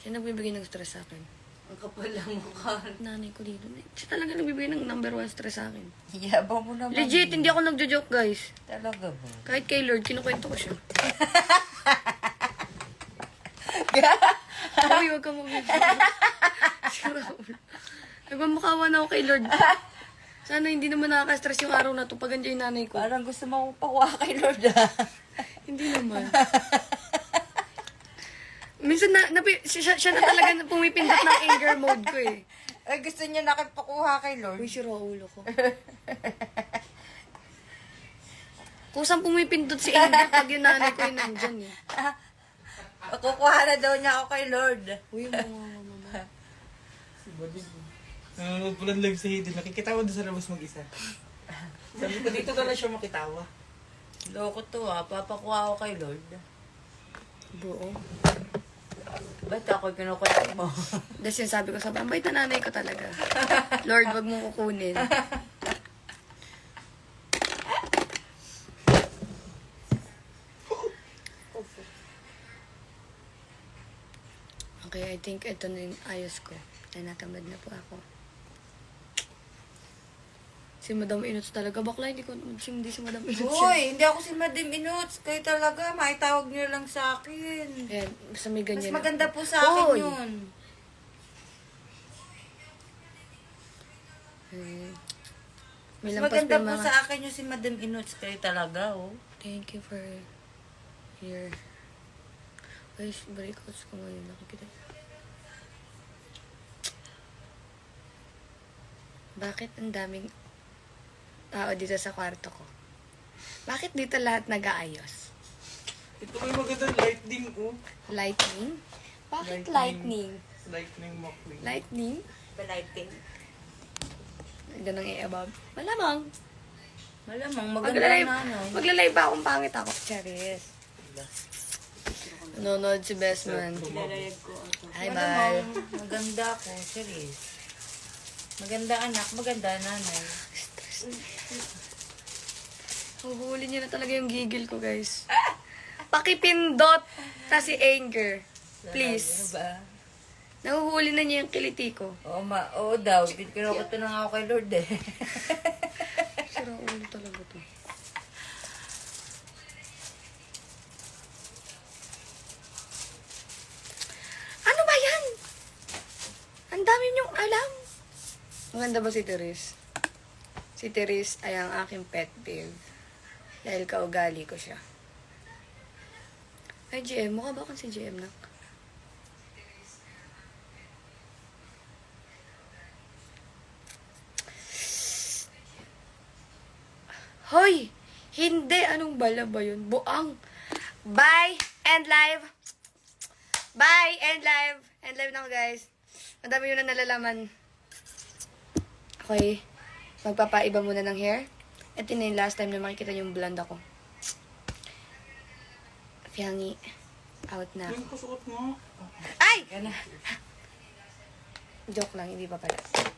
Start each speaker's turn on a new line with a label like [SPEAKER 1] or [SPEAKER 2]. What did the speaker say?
[SPEAKER 1] Siya nagbibigay ng stress sa akin.
[SPEAKER 2] Ang kapal lang mukha.
[SPEAKER 1] Nanay ko dito. Siya talaga nagbibigay ng number 1 stress sa akin.
[SPEAKER 2] Yabang mo naman.
[SPEAKER 1] Legit, hindi ako nagjo-joke, guys.
[SPEAKER 2] Talaga ba?
[SPEAKER 1] Kahit kay Lord, kinukwento ko siya. Uy, huwag kang mabibigay. Nagmamukhawa na ako kay Lord. Sana hindi naman nakaka-stress yung araw na to pag andyan yung nanay ko.
[SPEAKER 2] Parang gusto mo pakuha kay Lord
[SPEAKER 1] Hindi naman. Minsan siya na talaga pumipindot ng anger mode ko eh.
[SPEAKER 2] Ay, gusto niya nakipakuha kay Lord.
[SPEAKER 1] Uy, sira ulo ko. Kusang pumipindot si anger pag yung nanay ko yung nandyan eh.
[SPEAKER 2] Kukuha na daw niya ako kay Lord.
[SPEAKER 1] Uy, mama.
[SPEAKER 3] Si Bading. Nanonood po ng live sa Hidden. Nakikitawa doon sa labas mag-isa. Sabi ko, dito ka na siya makitawa.
[SPEAKER 2] Loko to papakuha ako kay Lord.
[SPEAKER 1] Buo.
[SPEAKER 2] Ba't ako kinukulit mo?
[SPEAKER 1] Tapos yung sabi ko sa ang bait na nanay ko talaga. Lord, wag mong kukunin. Okay, I think ito na yung ayos ko. Natamad na po ako. Si Madam Inuts talaga. Bakla, hindi si Madam Inuts yun.
[SPEAKER 2] Uy, hindi ako si Madam Inuts. Kayo talaga, maitawag niyo lang sa akin.
[SPEAKER 1] Ayan, basta may
[SPEAKER 2] Mas
[SPEAKER 1] ganyan.
[SPEAKER 2] maganda po sa akin
[SPEAKER 1] Hoy!
[SPEAKER 2] yun.
[SPEAKER 1] May
[SPEAKER 2] Mas
[SPEAKER 1] lampas
[SPEAKER 2] maganda
[SPEAKER 1] pa
[SPEAKER 2] po
[SPEAKER 1] mga...
[SPEAKER 2] sa akin yung si Madam Inuts. Kayo talaga, oh.
[SPEAKER 1] Thank you for your... Ay, breakouts ko ngayon. Nakikita. Bakit ang daming tao dito sa kwarto ko? Bakit dito lahat nag-aayos?
[SPEAKER 3] Ito may magandang lightning, oh.
[SPEAKER 1] Lightning? Bakit lightning?
[SPEAKER 3] Lightning McQueen.
[SPEAKER 1] Lightning?
[SPEAKER 2] Palighting.
[SPEAKER 1] Ganang i-above. Malamang.
[SPEAKER 2] Malamang, maganda na ano.
[SPEAKER 1] Maglalay ba akong pangit ako? Charis. Nanonood si Bestman.
[SPEAKER 2] Lalayag ko ako.
[SPEAKER 1] Hi, Bal.
[SPEAKER 2] Maganda ako, serious. Maganda anak, maganda nanay.
[SPEAKER 1] Huhuli niya na talaga yung gigil ko, guys. Pakipindot ta si anger. Please.
[SPEAKER 2] Ano ba?
[SPEAKER 1] Nahuhuli na niya yung kiliti ko.
[SPEAKER 2] Oo daw, kinukuto na nga ako kay Lord eh.
[SPEAKER 1] Sira ulo talaga to. Ano ba yan? Ang dami niyong alam. Maganda ba si Therese? Si Therese ay ang aking pet peeve. Dahil kaugali ko siya. Ay, GM. Mukha ba akong si GM na? Hoy! Hindi! Anong bala ba yun? Buang! Bye! End live! Bye! End live! End live na ako, guys. Madami yun na nalalaman. Okay. Magpapaiba muna ng hair. Ito na yung last time na makikita yung blonde ako. Fiangi. Out na.
[SPEAKER 3] Yung kasuot mo.
[SPEAKER 1] Ay!
[SPEAKER 2] Yan na.
[SPEAKER 1] Joke lang, hindi pa pala.